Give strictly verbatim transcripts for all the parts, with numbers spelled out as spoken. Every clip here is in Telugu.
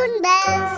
Toon Bells.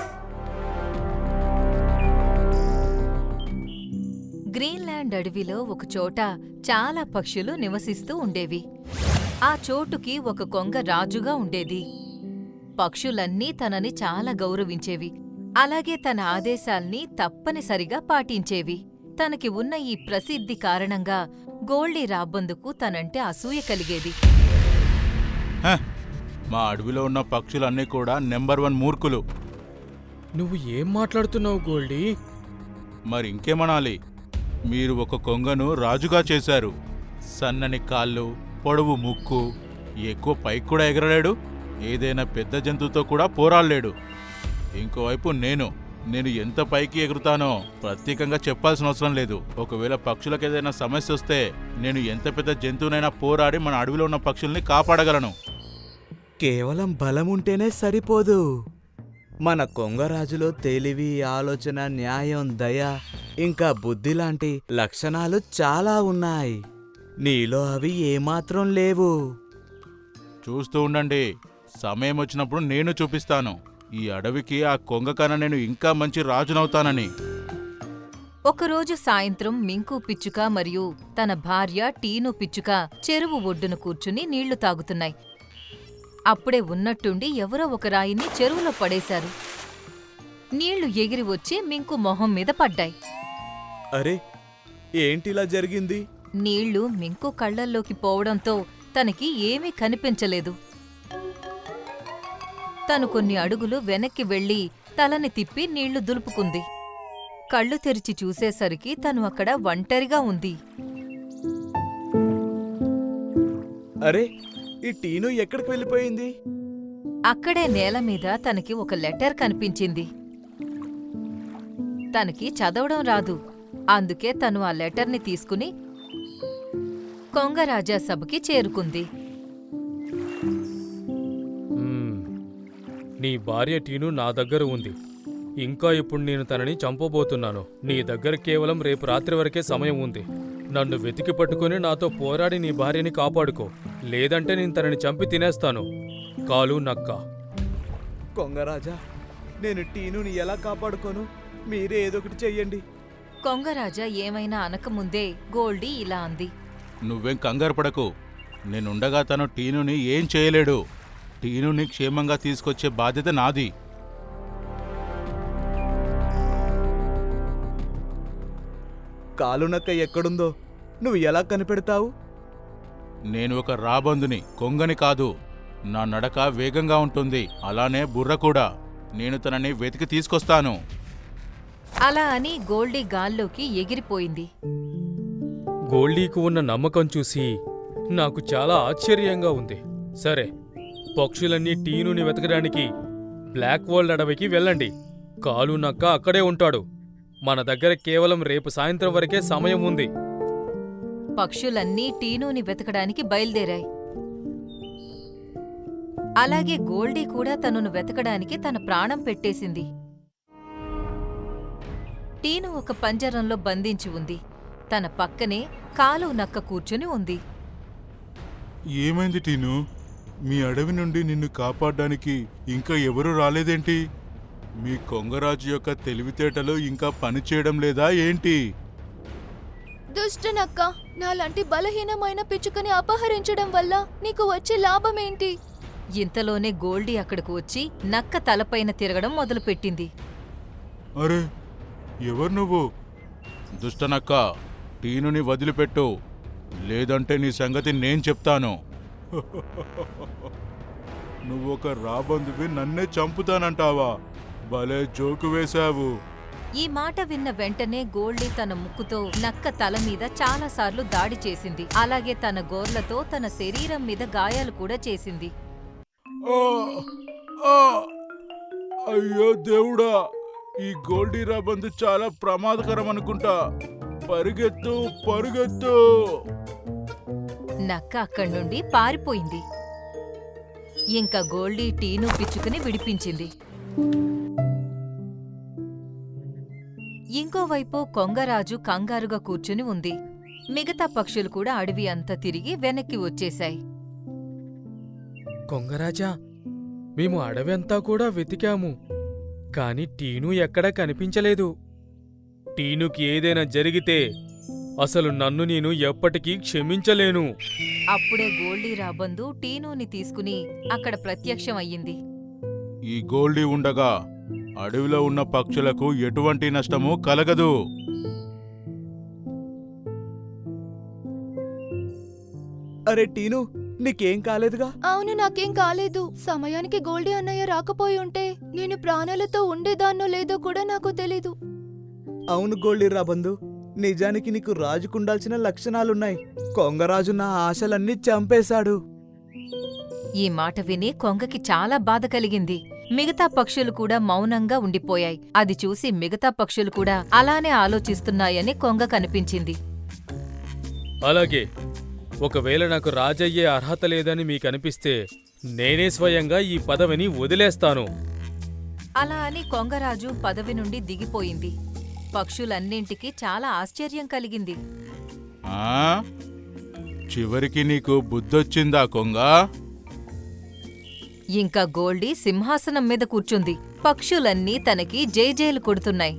గ్రీన్లాండ్ అడవిలో ఒకచోట చాలా పక్షులు నివసిస్తూ ఉండేవి. ఆ చోటుకి ఒక కొంగ రాజుగా ఉండేది. పక్షులన్నీ తనని చాలా గౌరవించేవి. అలాగే తన ఆదేశాల్ని తప్పనిసరిగా పాటించేవి. తనకి ఉన్న ఈ ప్రసిద్ధి కారణంగా గోల్డీ రాబందుకు తనంటే అసూయ కలిగేది. హ! మా అడవిలో ఉన్న పక్షులన్నీ కూడా నెంబర్ వన్ మూర్ఖులు. నువ్వు ఏం మాట్లాడుతున్నావు గోల్డీ? మరి ఇంకేమనాలి? మీరు ఒక కొంగను రాజుగా చేశారు. సన్నని కాళ్ళు, పొడవు ముక్కు, ఎక్కువ పైకి కూడా ఎగరలేడు, ఏదైనా పెద్ద జంతువుతో కూడా పోరాడలేడు. ఇంకోవైపు నేను నేను ఎంత పైకి ఎగురుతానో ప్రత్యేకంగా చెప్పాల్సిన అవసరం లేదు. ఒకవేళ పక్షులకు ఏదైనా సమస్య వస్తే నేను ఎంత పెద్ద జంతువునైనా పోరాడి మన అడవిలో ఉన్న పక్షుల్ని కాపాడగలను. కేవలం బలముంటేనే సరిపోదు. మన కొంగరాజులో తెలివి, ఆలోచన, న్యాయం, దయ, ఇంకా బుద్ధి లాంటి లక్షణాలు చాలా ఉన్నాయి. నీలో అవి ఏమాత్రం లేవు. చూస్తూ ఉండండి, సమయం వచ్చినప్పుడు నేను చూపిస్తాను ఈ అడవికి ఆ కొంగ కన్నా నేను ఇంకా మంచి రాజునవుతానని. ఒకరోజు సాయంత్రం మింకు పిచ్చుక మరియు తన భార్య టీను పిచ్చుక చెరువు ఒడ్డున కూర్చుని నీళ్లు తాగుతున్నాయి. అప్పుడే ఉన్నట్టుండి ఎవరో ఒక రాయిని చెరువులో పడేశారు. నీళ్లు ఎగిరి వచ్చి మింకు మొహం మీద పడ్డాయి. అరే, ఏంటిలా జరిగింది? నీళ్లు మింకు కళ్లల్లోకి పోవడంతో తనకి ఏమీ కనిపించలేదు. తను కొన్ని అడుగులు వెనక్కి వెళ్లి తలని తిప్పి నీళ్లు దులుపుకుంది. కళ్ళు తెరిచి చూసేసరికి తను అక్కడ ఒంటరిగా ఉంది. అరే, ఈ టీను ఎక్కడికి వెళ్ళిపోయింది? అక్కడే నేల మీద తనకి ఒక లెటర్ కనిపించింది. తనకి చదవడం రాదు. అందుకే తను ఆ లెటర్ని తీసుకుని కొంగరాజా సభకి చేరుకుంది. మ్మ్. నీ భార్య టీను నా దగ్గర ఉంది. ఇంకా ఇప్పుడు నేను తనని చంపబోతున్నాను. నీ దగ్గర కేవలం రేపు రాత్రి వరకే సమయం ఉంది. నన్ను వెతికి పట్టుకుని నాతో పోరాడి నీ భార్యని కాపాడుకో, లేదంటే నేను తనని చంపి తినేస్తాను. కాలు నక్క. కొంగరాజా, నేను టీనుని ఎలా కాపాడుకోను? మీరే ఏదొకటి చెయ్యండి. కొంగరాజా ఏమైనా అనకముందే గోల్డీ ఇలా అంది. నువ్వేం కంగారు పడకు, నేనుండగా తను టీనుని ఏం చేయలేడు. టీనుని క్షేమంగా తీసుకొచ్చే బాధ్యత నాది. కాలునక్క ఎక్కడుందో నువ్వు ఎలా కనిపెడతావు? నేను ఒక రాబందుని, కొంగని కాదు. నా నడక వేగంగా ఉంటుంది, అలానే బుర్ర కూడా. నేను తనని వెతికి తీసుకొస్తాను. అలా అని గోల్డీ గాల్లోకి ఎగిరిపోయింది. గోల్డీకు ఉన్న నమ్మకం చూసి నాకు చాలా ఆశ్చర్యంగా ఉంది. సరే, పక్షులన్నీ టీనుని వెతకడానికి బ్లాక్ వరల్డ్ అడవికి వెళ్ళండి. కాలు నక్క అక్కడే ఉంటాడు. మన దగ్గర కేవలం రేపు సాయంత్రం వరకే సమయం ఉంది. పక్షులన్నీ టీనూని వెతకడానికి బయలుదేరాయి. అలాగే గోల్డీ కూడా తనను వెతకడానికి తన ప్రాణం పెట్టేసింది. టీను ఒక పంజరంలో బంధించి ఉంది. తన పక్కనే కాలు నక్క కూర్చుని ఉంది. ఏమైంది టీను? మీ అడవి నుండి నిన్ను కాపాడడానికి ఇంకా ఎవరూ రాలేదేంటి? మీ కొంగరాజు యొక్క తెలివితేటలు ఇంకా పనిచేయడం లేదా ఏంటి? దుష్టనక్క, నాలాంటి బలహీనమైన పిచ్చుకని అపహరించడం వల్ల నీకు వచ్చే లాభమేంటి? ఇంతలోనే గోల్డీ అక్కడికి వచ్చి నక్క తలపైన తిరగడం మొదలుపెట్టింది. అరే, ఎవరు నువ్వు? దుష్టనక్క, టీనుని వదిలిపెట్టు, లేదంటే నీ సంగతి నేను చెప్తాను. నువ్వొక రాబందువి, నన్నే చంపుతానంటావా? భలే జోకు వేశావు. ఈ మాట విన్న వెంటనే గోల్డీ తన ముక్కుతో నక్క తల మీద చాలాసార్లు దాడి చేసింది. అలాగే తన గోర్లతో తన శరీరం మీద గాయాలు కూడా చేసింది. ఆ! ఆ! అయ్యో దేవుడా, ఈ గోల్డీ రాబందు చాలా ప్రమాదకరం అనుకుంటా. పరిగెత్తు, పరుగెత్తు. నక్క అక్కడి నుండి పారిపోయింది. ఇంకా గోల్డీ టీను పిచ్చుకుని విడిపించింది. ఇంకోవైపు కొంగరాజు కంగారుగా కూర్చుని ఉంది. మిగతా పక్షులు కూడా అడవి అంతా తిరిగి వెనక్కి వచ్చేశాయి. కొంగరాజా, మేము అడవంతా కూడా వెతికాము. కాని టీను ఎక్కడా కనిపించలేదు. టీనుకి ఏదైనా జరిగితే అసలు నన్ను నేను ఎప్పటికీ క్షమించలేను. అప్పుడే గోల్డీ రాబందు టీనూని తీసుకుని అక్కడ ప్రత్యక్షం అయ్యింది. ఈ గోల్డీ ఉండగా అడవిలో ఉన్న పక్షులకు ఎటువంటి నష్టము కలగదు. అరే టీను, నీకేం కాలేదుగా? అవును, నాకేం కాలేదు. సమయానికి గోల్డీ అన్నయ్య రాకపోయి ఉంటే నేను ప్రాణాలతో ఉండేదాన్నో లేదో కూడా నాకు తెలీదు. అవును గోల్డీ రాబందు, నిజానికి నీకు రాజుకుండాల్సిన లక్షణాలున్నాయి. కొంగరాజు నా ఆశలన్నీ చంపేశాడు. ఈ మాట విని కొంగకి చాలా బాధ కలిగింది. మిగతా పక్షులు కూడా మౌనంగా ఉండిపోయాయి. అది చూసి మిగతా పక్షులు కూడా అలానే ఆలోచిస్తున్నాయని కొంగ కనిపించింది. అలాగే ఒకవేళ నాకు రాజయ్యే అర్హత లేదని మీకనిపిస్తే నేనే స్వయంగా ఈ పదవిని వదిలేస్తాను. అలా అని కొంగరాజు పదవి నుండి దిగిపోయింది. పక్షులన్నింటికీ చాలా ఆశ్చర్యం కలిగింది. ఆ చివరికి నీకు బుద్ధొచ్చిందా కొంగ? ఇంకా గోల్డీ సింహాసనం మీద కూర్చుంది. పక్షులన్నీ తనకి జైజేలు కొడుతున్నాయి.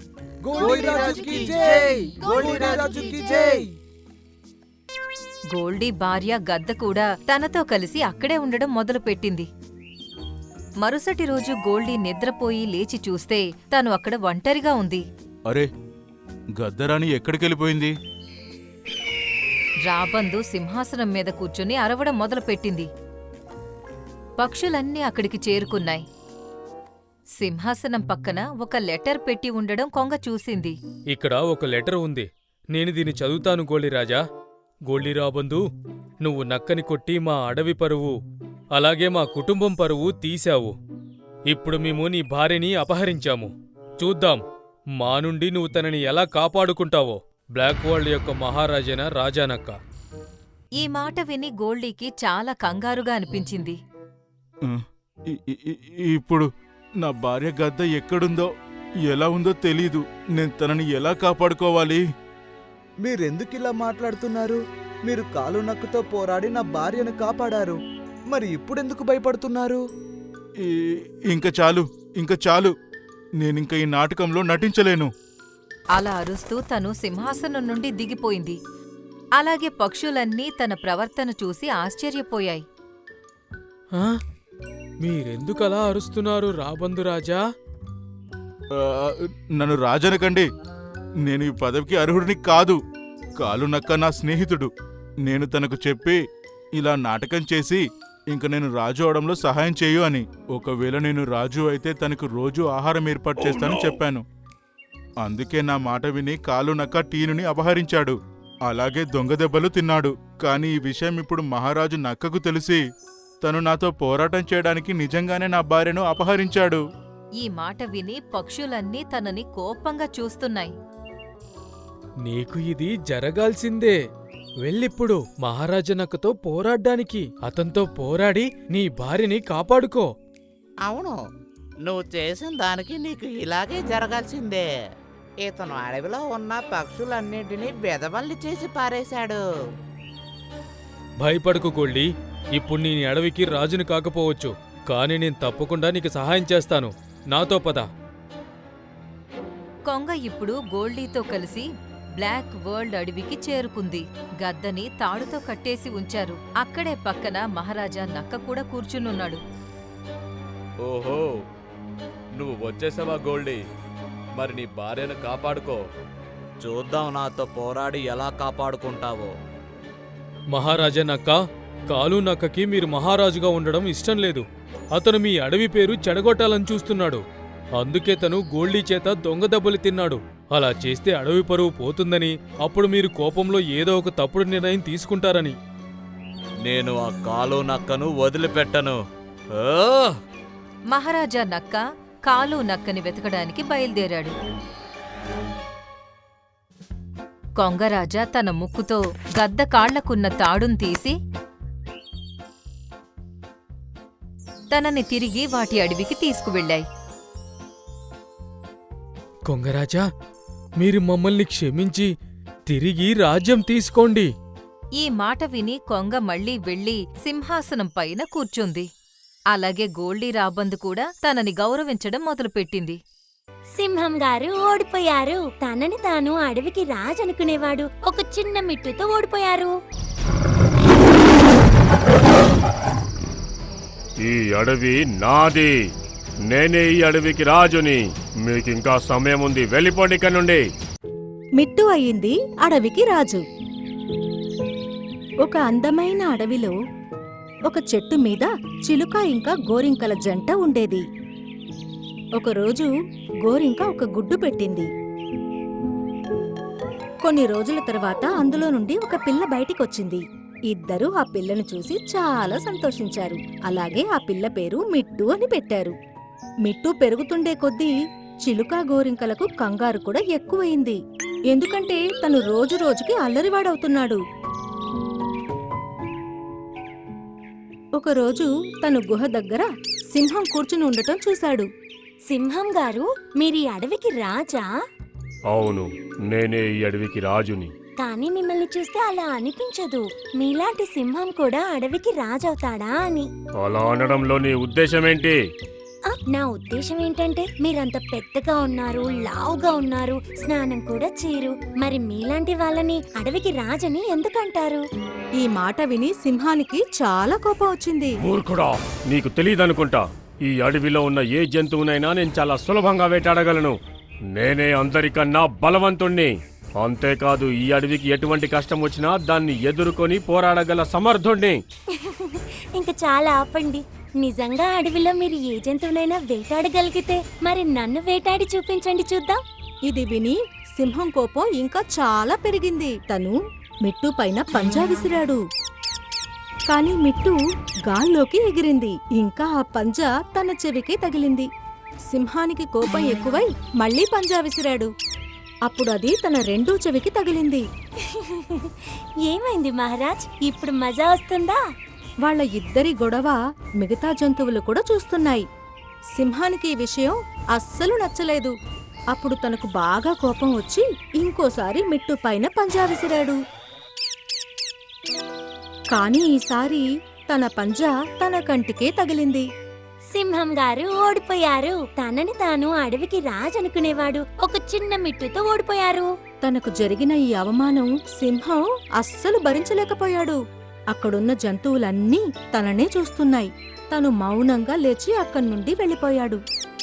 గోల్డీ భార్య గద్ద కూడా తనతో కలిసి అక్కడే ఉండడం మొదలుపెట్టింది. మరుసటి రోజు గోల్డీ నిద్రపోయి లేచి చూస్తే తను అక్కడ ఒంటరిగా ఉంది. అరే, గద్దరాని ఎక్కడికెళ్ళిపోయింది? రాబందు సింహాసనం మీద కూర్చుని అరవడం మొదలుపెట్టింది. పక్షులన్నీ అక్కడికి చేరుకున్నాయి. సింహాసనం పక్కన ఒక లెటర్ పెట్టి ఉండడం కొంగ చూసింది. ఇక్కడ ఒక లెటర్ ఉంది. నేను దీన్ని చదువుతాను గోళీరాజా. గోళీరాబందు, నువ్వు నక్కని కొట్టి మా అడవి పరువు అలాగే మా కుటుంబం పరువు తీశావు. ఇప్పుడు మేము నీ భార్యని అపహరించాము. చూద్దాం మా నుండి నువ్వు తనని ఎలా కాపాడుకుంటావో. బ్లాక్ వరల్డ్ యొక్క మహారాజైన రాజానక్క. ఈ మాట విని గోల్డీకి చాలా కంగారుగా అనిపించింది. ఆ, ఇ- ఇ- ఇ- ఇప్పుడు నా భార్య గద్ద ఎక్కడుందో ఎలా ఉందో తెలీదు. నేను తనని ఎలా కాపాడుకోవాలి? మీరెందుకిలా మాట్లాడుతున్నారు? మీరు కాలు నక్కుతో పోరాడి నా భార్యను కాపాడారు. మరి ఇప్పుడెందుకు భయపడుతున్నారు? ఈ- ఇంక చాలు, ఇంక చాలు. నేనింక ఈ నాటకంలో నటించలేను. అలా అరుస్తూ తను సింహాసనం నుండి దిగిపోయింది. అలాగే పక్షులన్నీ తన ప్రవర్తన చూసి ఆశ్చర్యపోయాయి. ఆ? మీరెందుకలా అరుస్తున్నారు రాబందు రాజా? ఆ, నన్ను రాజనకండి. నేను ఈ పదవికి అర్హుడిని కాదు. కాలు నక్క నా స్నేహితుడు. నేను తనకు చెప్పి ఇలా నాటకం చేసి ఇంక నేను రాజు అవడంలో సహాయం చేయు అని. ఒకవేళ నేను రాజు అయితే తనకు రోజు ఆహారం ఏర్పాటు చేస్తానని చెప్పాను. అందుకే నా మాట విని కాలు నక్క టీనుని అపహరించాడు. అలాగే దొంగ దెబ్బలు తిన్నాడు. కాని ఈ విషయం ఇప్పుడు మహారాజు నక్కకు తెలిసి తను నాతో పోరాటం చేయడానికి నిజంగానే నా భార్యను అపహరించాడు. ఈ మాట విని పక్షులన్నీ తనని కోపంగా చూస్తున్నాయి. నీకు ఇది జరగాల్సిందే. వెళ్ళిప్పుడు మహారాజనక్కతో పోరాడ్డానికి. అతనితో పోరాడి నీ భార్యని కాపాడుకో. అవును, నువ్వు చేసిన దానికి నీకు ఇలాగే జరగాల్సిందే. ఇతను అడవిలో ఉన్న పక్షులన్నింటినీ బెదవల్లి చేసి పారేశాడు. భయపడకు గోల్డీ. ఇప్పుడు నీ అడవికి రాజుని కాకపోవచ్చు, కానీ నేను తప్పకుండా నీకు సహాయం చేస్తాను. నాతో పద. కొంగ ఇప్పుడు గోల్డీతో కలిసి బ్లాక్ వరల్డ్ అడవికి చేరుకుంది. గద్దని తాడుతో కట్టేసి ఉంచారు. అక్కడే పక్కన మహారాజా నక్క కూడా కూర్చునున్నాడు. ఓహో, నువ్వు వచ్చేసావా గోల్డీ? మరి నీ భార్యను కాపాడుకో. చూద్దాం నాతో పోరాడి ఎలా కాపాడుకుంటావో. మహారాజా నక్క, కాలు నక్కకి మీరు మహారాజుగా ఉండడం ఇష్టం లేదు. అతను మీ అడవి పేరు చెడగొట్టాలని చూస్తున్నాడు. అందుకే తను గోల్డీ చేత దొంగ దెబ్బలు తిన్నాడు. అలా చేస్తే అడవి పరువు పోతుందని, అప్పుడు మీరు కోపంలో ఏదో ఒక తప్పుడు నిర్ణయం తీసుకుంటారని. నేను ఆ కాలు నక్కను వదిలిపెట్టను. ఆ! మహారాజా నక్క కాలు నక్కని వెతకడానికి బయలుదేరాడు. కొంగరాజా తన ముక్కుతో గద్ద కాళ్లకున్న తాడును తీసి తనని తిరిగి వాటి అడవికి తీసుకువెళ్ళాయి. కొంగరాజా, మీరు మమ్మల్ని క్షమించి తిరిగి రాజ్యం తీసుకోండి. ఈ మాట విని కొంగ మళ్ళీ వెళ్లి సింహాసనం పైన కూర్చుంది. అలాగే గోల్డీ రాబందు కూడా తనని గౌరవించడం మొదలుపెట్టింది. సింహం గారు ఓడిపోయారు. తనని తాను అడవికి రాజు అనుకునేవాడు ఒక చిన్న మిట్టుతో ఓడిపోయారు. ఈ అడవి నాది. నేనే ఈ అడవికి రాజుని. మీకింకా సమయం ఉంది, వెళ్ళిపోండి ఇక్కడ నుండి. మిట్టు అయింది అడవికి రాజు. ఒక అందమైన అడవిలో ఒక చెట్టు మీద చిలుక ఇంకా గోరింకల జంట ఉండేది. ఒకరోజు గోరింక ఒక గుడ్డు పెట్టింది. కొన్ని రోజుల తర్వాత అందులో నుండి ఒక పిల్ల బయటికొచ్చింది. ఇద్దరూ ఆ పిల్లను చూసి చాలా సంతోషించారు. అలాగే ఆ పిల్ల పేరు మిట్టు అని పెట్టారు. మిట్టు పెరుగుతుండే కొద్దీ చిలుక గోరింకలకు కంగారు కూడా ఎక్కువయింది. ఎందుకంటే తను రోజు రోజుకి అల్లరివాడవుతున్నాడు. ఒకరోజు తను గుహ దగ్గర సింహం కూర్చుని ఉండటం చూశాడు. సింహం గారు, మీరీ అడవికి రాజా? అవును, నేనే ఈ అడవికి రాజుని. కానీ మిమ్మల్ని చూస్తే అలా అనిపించదు. మీలాంటి సింహం కూడా అడవికి రాజవుతాడా అని. అలా అనడంలో నీ ఉద్దేశమేంటి? ఆ, నా ఉద్దేశం ఏంటంటే మీరంత పెద్దగా ఉన్నారు, లావుగా ఉన్నారు, స్నానం కూడా చేయరు. మరి మీలాంటి వాళ్ళని అడవికి రాజని ఎందుకంటారు? ఈ మాట విని సింహానికి చాలా కోపం వచ్చింది. మూర్ఖుడా, నీకు తెలియదనుకుంటా. ఈ అడవిలో ఉన్న ఏ జంతువునైనా నేను చాలా సులభంగా వేటాడగలను. నేనే అందరికన్నా బలవంతుణ్ణి. అంతేకాదు, ఈ అడవికి ఎటువంటి కష్టం వచ్చినా దాన్ని ఎదుర్కొని పోరాడగల సమర్థుణ్ణి. ఇంకా చాలా ఆపండి. నిజంగా అడవిలో మీరు ఏ జంతువునైనా వేటాడగలిగితే మరి నన్ను వేటాడి చూపించండి చూద్దాం. ఇది విని సింహం కోపం ఇంకా చాలా పెరిగింది. తను మిట్టు పైన పంజా విసిరాడు. కాని మిట్టు గాల్లోకి ఎగిరింది. ఇంకా ఆ పంజా తన చెవికి తగిలింది. సింహానికి కోపం ఎక్కువై మళ్లీ పంజా విసిరాడు. అప్పుడు అది తన రెండో చెవికి తగిలింది. ఏమైంది మహారాజ్? ఇప్పుడు మజా వస్తుందా? వాళ్ళ ఇద్దరి గొడవ మిగతా జంతువులు కూడా చూస్తున్నాయి. సింహానికి ఈ విషయం అస్సలు నచ్చలేదు. అప్పుడు తనకు బాగా కోపం వచ్చి ఇంకోసారి మిట్టు పైన పంజా విసిరాడు. కాని ఈసారి తన పంజా తన కంటికే తగిలింది. సింహం గారు ఓడిపోయారు. తనని తాను అడవికి రాజు అనుకునేవాడు ఒక చిన్న మిట్టుతో ఓడిపోయారు. తనకు జరిగిన ఈ అవమానం సింహం అస్సలు భరించలేకపోయాడు. అక్కడున్న జంతువులన్నీ తననే చూస్తున్నాయి. తను మౌనంగా లేచి అక్కడి నుండి వెళ్ళిపోయాడు.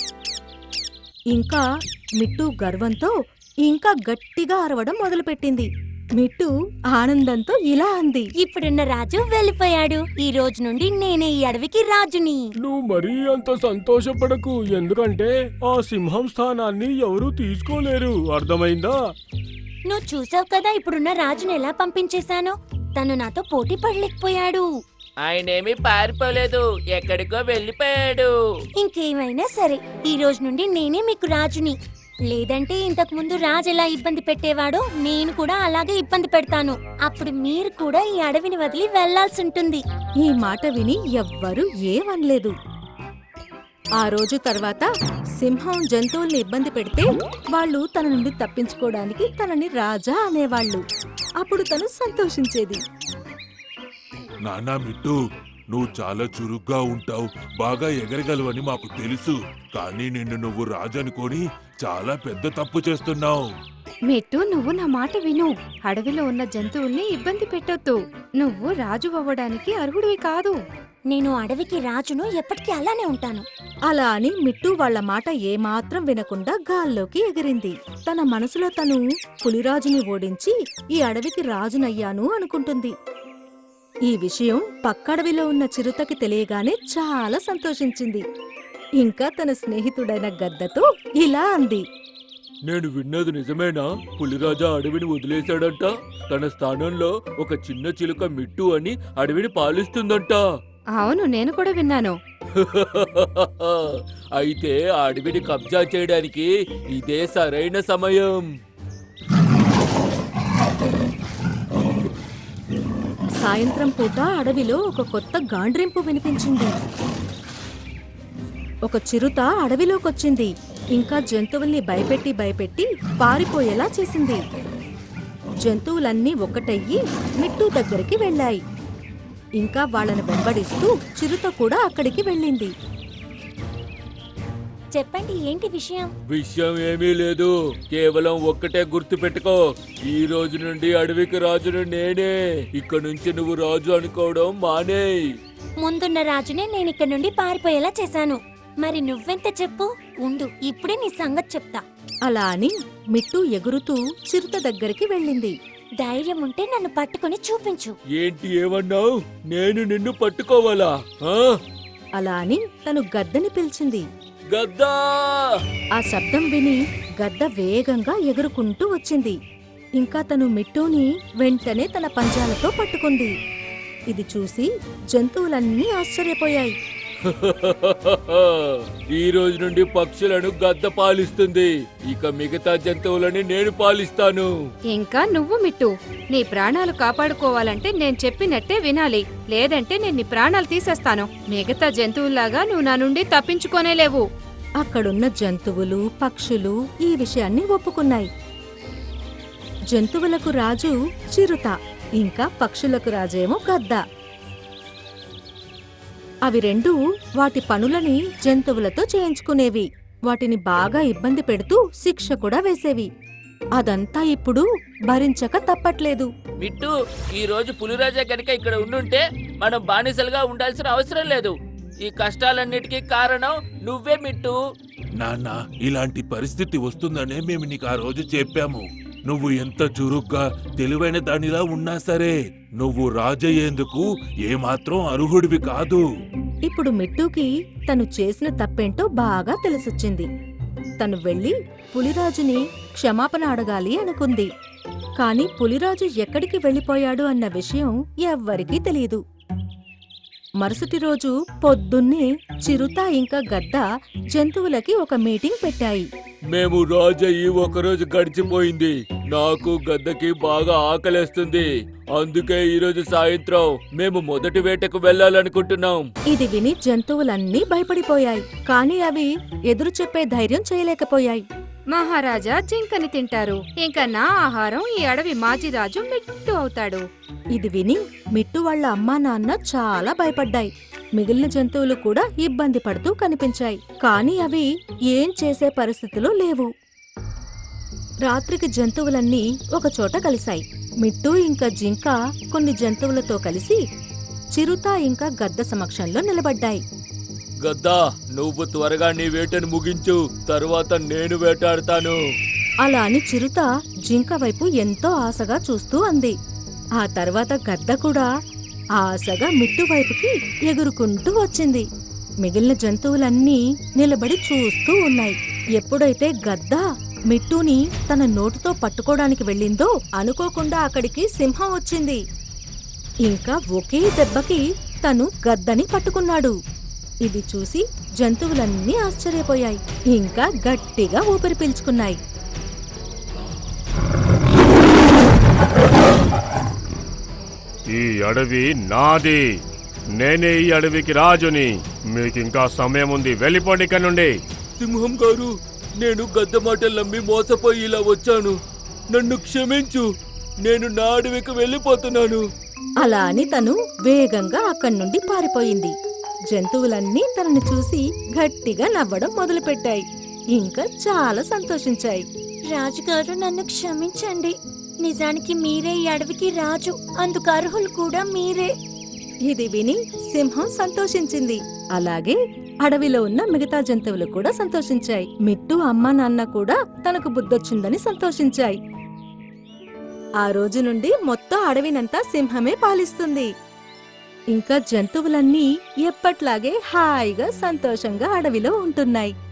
ఇంకా మిట్టు గర్వంతో ఇంకా గట్టిగా అరవడం మొదలుపెట్టింది. మిట్టు ఆనందంతో ఇలా అంది, ఇప్పుడున్న రాజు వెళ్ళిపోయాడు. ఈ రోజు నుండి నేనే ఈ అడవికి రాజుని. నువ్వు మరీ అంత సంతోషపడకు, ఎందుకంటే ఆ సింహం స్థానాన్ని ఎవరూ తీసుకోలేరు. అర్థమైందా? నువ్వు చూసావు కదా ఇప్పుడున్న రాజుని ఎలా పంపించేశానో. తను నాతో పోటీ పడలేకపోయాడు. ఆయనేమి పారిపోలేదు, ఎక్కడికో వెళ్ళిపోయాడు. ఇంకేమైనా సరే, ఈ రోజు నుండి నేనే మీకు రాజుని. లేదంటే ఇంతకు ముందు రాజు ఎలా ఇబ్బంది పెట్టేవాడో నేను కూడా అలాగే ఇబ్బంది పెడతాను. అప్పుడు మీరు కూడా ఈ అడవిని వదిలి వెళ్లాల్సి ఉంటుంది. ఈ మాట విని ఎవ్వరూ ఏమనలేదు. ఆ రోజు తర్వాత సింహం జంతువుల్ని ఇబ్బంది పెడితే వాళ్ళు తన నుండి తప్పించుకోవడానికి తనని రాజా అనేవాళ్ళు. అప్పుడు తను సంతోషించేది. నానా మిట్టు, నువ్వు చాలా చురుగ్గా ఉంటావు, బాగా ఎగరగలవని మాకు తెలుసు. కానీ నిన్ను నువ్వు రాజనుకొని చాలా పెద్ద తప్పు చేస్తున్నావు. మిట్టు, నువ్వు నా మాట విను. అడవిలో ఉన్న జంతువుల్ని ఇబ్బంది పెట్టొద్దు. నువ్వు రాజు అవ్వడానికి అర్హుడివి కాదు. నేను అడవికి రాజును, ఎప్పటికీ అలానే ఉంటాను. అలా అని మిట్టు వాళ్ల మాట ఏమాత్రం వినకుండా గాల్లోకి ఎగిరింది. తన మనసులో తను పులిరాజుని ఓడించి ఈ అడవికి రాజునయ్యాను అనుకుంటుంది. ఈ విషయం పక్కడవిలో ఉన్న చిరుతకి తెలియగానే చాలా సంతోషించింది. ఇంకా తన స్నేహితుడైన గద్దతో ఇలా అంది, నేను విన్నది నిజమేనా? పులిరాజా అడవిని వదిలేశాడంట. తన స్థానంలో ఒక చిన్న చిలుక మిట్టు అని అడవిని పాలిస్తుందంట. అవును, నేను కూడా విన్నాను. అయితే ఆ అడవిని కబ్జా చేయడానికి ఇదే సరైన సమయం. సాయంత్రం పూట అడవిలో ఒక కొత్త గాండ్రింపు వినిపించింది. ఒక చిరుత అడవిలోకొచ్చింది. ఇంకా జంతువుల్ని భయపెట్టి భయపెట్టి పారిపోయేలా చేసింది. జంతువులన్నీ ఒక్కటయ్యి మిట్టు దగ్గరికి వెళ్ళాయి. ఇంకా వాళ్ళని వెంబడిస్తూ చిరుత కూడా అక్కడికి వెళ్ళింది. చెప్పండి ఏంటి విషయం? విషయం ఏమీ లేదు, కేవలం ఒక్కటే గుర్తు పెట్టుకో, ఈ రోజు నుండి అడవికి రాజును నేనే. ఇక్కడ నుంచి నువ్వు రాజు అనుకోవడం మానేయ్. ముందున్న రాజునే నేను ఇక్కడ నుండి పారిపోయేలా చేశాను. మరి నువ్వెంత చెప్పు? ఉండు, ఇప్పుడే నీ సంగతి చెప్తా. అలా అని మిట్టు ఎగురుతూ చిరుత దగ్గరికి వెళ్ళింది. ధైర్యం ఉంటే నన్ను పట్టుకొని చూపించు. ఏంటి ఏమన్నావు? నేను నిన్ను పట్టుకోవాలా? ఆ? అలా అని తను గద్దని పిలిచింది. గద్దా! ఆ శబ్దం విని గద్ద వేగంగా ఎగురుకుంటూ వచ్చింది. ఇంకా తను మిట్టుని వెంటనే తన పంజాలతో పట్టుకుంది. ఇది చూసి జంతువులన్నీ ఆశ్చర్యపోయాయి. ఈ రోజు నుండి పక్షులను గద్ద పాలిస్తుంది, ఇక మిగతా జంతువులని నేను పాలిస్తాను. ఇంకా నువ్వు మిట్టు, నీ ప్రాణాలు కాపాడుకోవాలంటే నేను చెప్పినట్టే వినాలి, లేదంటే నేను నీ ప్రాణాలు తీసేస్తాను. మిగతా జంతువుల్లాగా నువ్వు నా నుండి తప్పించుకోనేలేవు. అక్కడున్న జంతువులు పక్షులు ఈ విషయాన్ని ఒప్పుకున్నాయి. జంతువులకు రాజు చిరుత, ఇంకా పక్షులకు రాజేమో గద్ద. అవి రెండూ వాటి పనులని జంతువులతో చేయించుకునేవి. వాటిని బాగా ఇబ్బంది పెడుతూ శిక్ష కూడా వేసేవి. అదంతా ఇప్పుడు భరించక తప్పట్లేదు. మిట్టు, ఈ రోజు పులిరాజా గనుక ఇక్కడ ఉండుంటే మనం బానిసలుగా ఉండాల్సిన అవసరం లేదు. ఈ కష్టాలన్నిటికీ కారణం నువ్వే మిట్టు. నాన్న, ఇలాంటి పరిస్థితి వస్తుందనే మేము నీకు ఆ రోజు చెప్పాము. నువ్వు ఎంత చురుగ్గా తెలివైన దానిలా ఉన్నా సరే నువ్వు రాజయ్యేందుకు ఏమాత్రం అర్హుడివి కాదు. ఇప్పుడు మిట్టుకి తను చేసిన తప్పేంటో బాగా తెలిసొచ్చింది. తను వెళ్లి పులిరాజుని క్షమాపణ అడగాలి అనుకుంది. కాని పులిరాజు ఎక్కడికి వెళ్లిపోయాడు అన్న విషయం ఎవ్వరికీ తెలియదు. మరుసటి రోజు పొద్దున్నే చిరుత ఇంకా గద్ద జంతువులకి ఒక మీటింగ్ పెట్టాయి. మేము రాజయ్యి ఒకరోజు గడిచిపోయింది, నాకు గద్దకి బాగా ఆకలేస్తుంది, అందుకే ఈ రోజు సాయంత్రం మేము మొదటి వేటకు వెళ్ళాలనుకుంటున్నాం. ఇది విని జంతువులన్నీ భయపడిపోయాయి. కాని అవి ఎదురు చెప్పే ధైర్యం చేయలేకపోయాయి. మహారాజా జింకని తింటారు, ఇంకా నా ఆహారం ఈ అడవి మాజీరాజు మిట్టు అవుతాడు. ఇది విని మిట్టు వాళ్ళ అమ్మా నాన్న చాలా భయపడ్డాయి. మిగిలిన జంతువులు కూడా ఇబ్బంది పడుతూ కనిపించాయి. కాని అవి ఏం చేసే పరిస్థితిలో లేవు. రాత్రికి జంతువులన్నీ ఒకచోట కలిశాయి. మిట్టు ఇంకా జింక కొన్ని జంతువులతో కలిసి చిరుత ఇంకా గద్ద సమక్షంలో నిలబడ్డాయి. గద్దా, నువ్వు త్వరగా నీ వేటను ముగించు, తరువాత నేను వేటాడతాను. అలా అని చిరుత జింక వైపు ఎంతో ఆశగా చూస్తూ అంది. ఆ తర్వాత గద్ద కూడా ఆశగా మిట్టు వైపుకి ఎగురుకుంటూ వచ్చింది. మిగిలిన జంతువులన్నీ నిలబడి చూస్తూ ఉన్నాయి. ఎప్పుడైతే గద్ద మిట్టుని తన నోటితో పట్టుకోవడానికి వెళ్ళిందో అనుకోకుండా అక్కడికి సింహం వచ్చింది. ఇంకా ఒకే దెబ్బకి తను గద్దని పట్టుకున్నాడు. ఇది చూసి జంతువులన్నీ ఆశ్చర్యపోయాయి. ఇంకా గట్టిగా ఊపిరి పీల్చుకున్నాయి. ఈ అడవి నాది, నేనే ఈ అడవికి రాజుని. మీకింకా సమయం ఉంది, వెళ్ళిపోండి ఇక్కడ నుండి. సింహం గారు, నేను గద్ద మాటలు నమ్మి మోసపోయి ఇలా వచ్చాను, నన్ను క్షమించు, నేను నా అడవికి వెళ్ళిపోతున్నాను. అలా అని తను వేగంగా అక్కడి నుండి పారిపోయింది. జంతువులన్నీ తనని చూసి గట్టిగా నవ్వడం మొదలుపెట్టాయి. ఇంకా చాలా సంతోషించాయి. రాజుగారు, నన్ను క్షమించండి. నిజానికి మీరే ఈ అడవికి రాజు, అందుకు అర్హులు కూడా మీరే. ఇది విని సింహం సంతోషించింది. అలాగే అడవిలో ఉన్న మిగతా జంతువులు కూడా సంతోషించాయి. మిట్టు అమ్మా నాన్న కూడా తనకు బుద్ధొచ్చిందని సంతోషించాయి. ఆ రోజు నుండి మొత్తం అడవినంతా సింహమే పాలిస్తుంది. ఇంకా జంతువులన్నీ ఎప్పట్లాగే హాయిగా సంతోషంగా అడవిలో ఉంటున్నాయి.